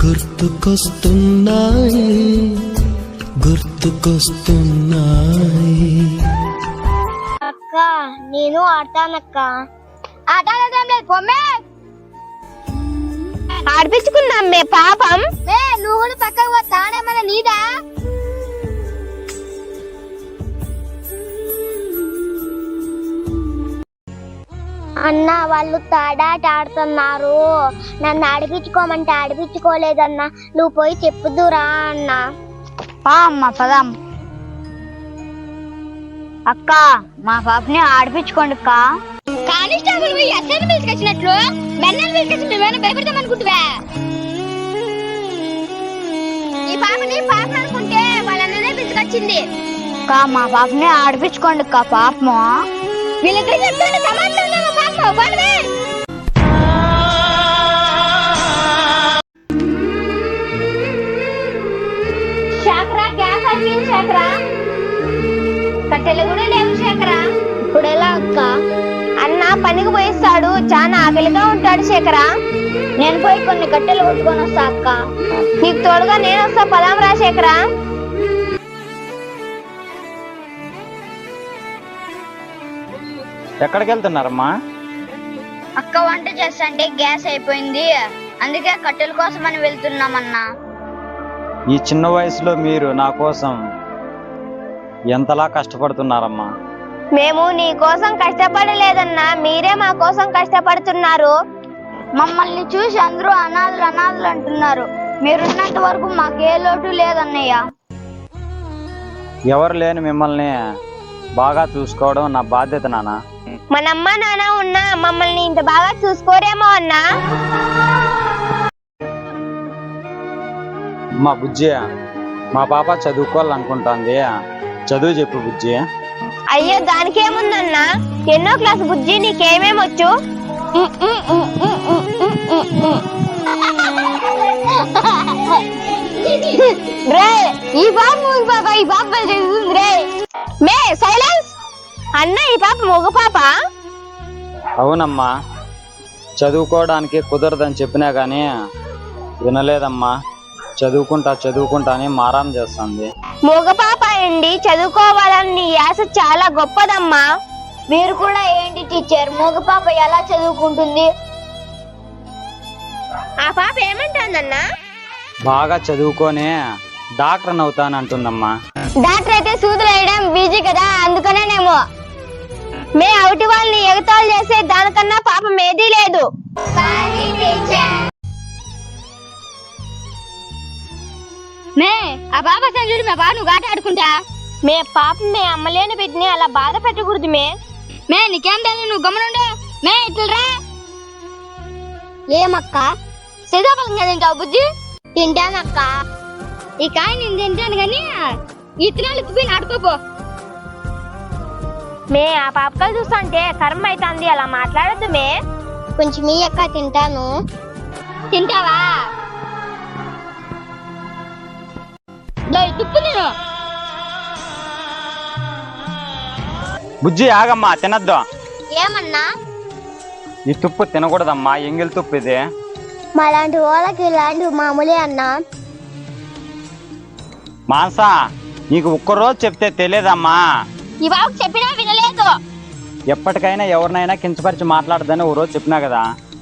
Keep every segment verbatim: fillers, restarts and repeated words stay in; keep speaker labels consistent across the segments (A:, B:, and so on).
A: గుర్తుకొస్తున్నాయి గుర్తుకొస్తున్నాయి.
B: అక్క నేను ఆడతానక్క. ఆడతాను లేదు పొమ్మే, ఆడిపించుకుందాం మే పాపం. మే నువ్వు కూడా పక్కకు పోతానేమన్నా నీదా? అన్న వాళ్ళు తాడాట ఆడుతున్నారు, నన్ను ఆడిపించుకోమంటే ఆడిపించుకోలేదన్నా, నువ్వు పోయి చెప్పుదురా అన్న.
C: అమ్మ పదం. అక్క మా పాపని ఆడిపించుకోండి అక్క.
B: కానిస్టేబుల్ ఎస్ఐని పిలుచుకొచ్చినట్లు మెన్నని పిలుచుకొచ్చి నువ్వేనా భయపడతామనుకుంటువా? ఈ పాపని పాప అనుకుంటే వాళ్ళనే పిలుచుకొచ్చింది.
C: అక్క మా పాపని ఆడిపించుకోండి అక్క. పాపము
B: వీళ్ళిద్దరు చెప్తుంటే సమాచారం పాప పడవే. శేఖరా గ్యాస్ అయిపోయింది శేఖరా, కట్టెలు కూడా లేవు శేఖరా. ఇప్పుడు ఎలా అక్క? అన్న పనికి పోయిస్తాడు, చాలా ఆకలిగా ఉంటాడు శేఖరా. నేను పోయి కొన్ని కట్టెలు కొట్టుకొని వస్తా అక్క. నీకు తోడుగా నేను వస్తా, పదాం రా శేఖరా.
D: ఎక్కడికి వెళ్తున్నారమ్మా?
C: అక్క వంట చేస్తంటే గ్యాస్ అయిపోయింది, అందుకే కట్టెల కోసం అని వెళ్తున్నామన్నా.
D: ఈ చిన్న వయసులో మీరు నా కోసం ఎంతలా కష్టపడుతున్నారమ్మా?
B: మేము నీ కోసం కష్టపడలేదన్నా, మీరే మా కోసం కష్టపడుతున్నారు.
C: మమ్మల్ని చూసి అందరూ అనాథలు అనాథలు అంటున్నారు. మీరున్నంత వరకు మాకే లోటు లేదన్నయ్య.
D: ఎవరు లేని మిమ్మల్ని బాగా చూసుకోవడం నా బాధ్యత నాన్న.
B: మనమ్మ నాన్న ఉన్నా మమ్మల్ని ఇంత బాగా చూసుకోరేమో అన్నా.
D: మా బుజ్జి, మా పాప చదువుకోవాలనుకుంటుంది, చదువు చెప్పు బుజ్జి.
B: అయ్యో దానికేముందన్నా, ఎన్నో క్లాస్ బుజ్జి, నీకేమేమొచ్చు? ఈ పాప పాప ఈ పాప రే మే సైలెన్స్. అన్న ఈ పాప మగ పాప.
D: అవునమ్మా, చదువుకోవడానికి కుదరదని చెప్పినా గానీ వినలేదమ్మా. చదువుకుంటా చదువుకుంటా అని మారాం చేస్తుంది.
B: మగ పాప అండి, చదువుకోవాలని నీ ఆశ చాలా గొప్పదమ్మా.
C: మీరు కూడా ఏంటి టీచర్, మగ పాప ఎలా చదువుకుంటుంది?
B: ఆ పాప ఏమంటుందన్నా?
D: బాగా చదువుకొని డాక్టర్ అవుతానంటుందమ్మా.
B: డాక్టర్ అయితే సూదులు వేయడం బీజీ కదా, అందుకనేనేమో. మే అవుటి వాళ్ళని ఎగతాళి చేసే దానికన్నా పాపం ఏదీ లేదు.
C: మే ఆ పాప సంజుడు మా బాబు నువ్వు ఆట ఆడుకుంటా.
B: మే పాప మే అమ్మలేని బిడ్డని అలా బాధ పెట్టకూడదు. మే
C: మే నీకేం తెలియదు, నువ్వు గమనుండు. మే ఇట్లరా.
B: ఏమక్క?
C: సీతాఫలం తింటావు బుజ్జి?
B: తింటానక్క.
C: ఈ కాయ నేను తింటాను కానీ ఇత్తనాలు ఎత్తిపోయి ఆడుకోపో.
B: మే ఆ పాపకలు చూస్తుంటే కర్మ అవుతుంది, అలా మాట్లాడద్దు. మే కొంచెం మీ అక్క తింటాను.
C: తింటావా? తుప్పు నేను.
D: బుజ్జి ఆగమ్మా, తినద్దు.
B: ఏమన్నా?
D: ఈ తుప్పు తినకూడదమ్మా, ఎంగిల్ తుప్పు ఇది.
B: మాలాంటి వాళ్ళకి ఇలాంటి మామూలే అన్నా.
D: మాన్సా, నీకు ఒక్కరోజు చెప్తే తెలియదమ్మా.
B: ఈ బాబుకి చెప్పినా వినలేదు.
D: ఎప్పటికైనా ఎవరినైనా కించపరిచి మాట్లాడదని ఓ రోజు చెప్పినా కదా.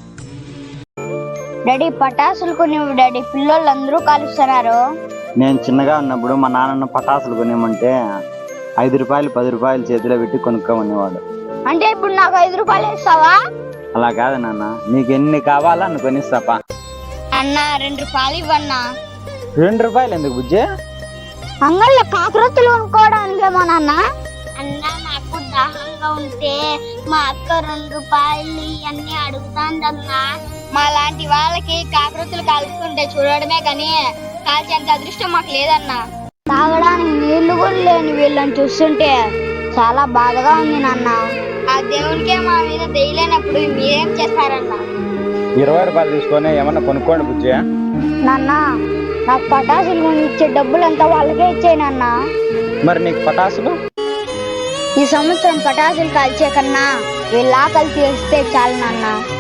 C: డాడీ పటాసులు కొనివ్వు డాడీ, పిల్లలు అందరూ కాలుస్తున్నారు.
D: నేను చిన్నగా ఉన్నప్పుడు మా నాన్నను పటాసులు కొనివ్వమంటే ఐదు రూపాయలు పది రూపాయలు చేతిలో పెట్టి కొనుక్కోమనేవాడు.
C: అంటే ఇప్పుడు నాకు ఐదు రూపాయలు ఇస్తావా?
D: అలా కాదు నాన్న, నీకు ఎన్ని కావాలా నువ్వు కొనిస్తాపా.
C: అన్న రెండు రూపాయలు ఇవ్వన్నా.
D: రెండు రూపాయలు ఎందుకు బుజ్జి?
C: అంగళ్ళ కాకరొత్తులు కొనుక్కోవడానికేమో నాన్న.
B: అన్నా నాకు దాహంగా ఉంటే మా అక్క రెండు రూపాయలు అన్ని అడుగుతాందన్నా.
C: మా లాంటి వాళ్ళకి కాకరొత్తులు కాల్చుకుంటే చూడడమే కానీ కాల్చేంత అదృష్టం మాకు లేదన్నా. తాగడానికి నీళ్లు కూడా లేని వీళ్ళని చూస్తుంటే చాలా బాధగా ఉంది నాన్న. ఆ దేవునికే మా మీద దయలేనప్పుడు మీరేం చేస్తారన్నా?
D: ఇరవై రూపాయలు తీసుకొని ఏమన్నా కొనుక్కోండి బుజ్జి.
C: నాన్న నాకు పటాసులు ఇచ్చే డబ్బులంతా వాళ్ళకే ఇచ్చాయి నాన్న.
D: మరి నీకు పటాసులు?
C: ఈ సంవత్సరం పటాసులు కాల్చే కన్నా వీళ్ళ ఆకలి తీస్తే చాలు నాన్న.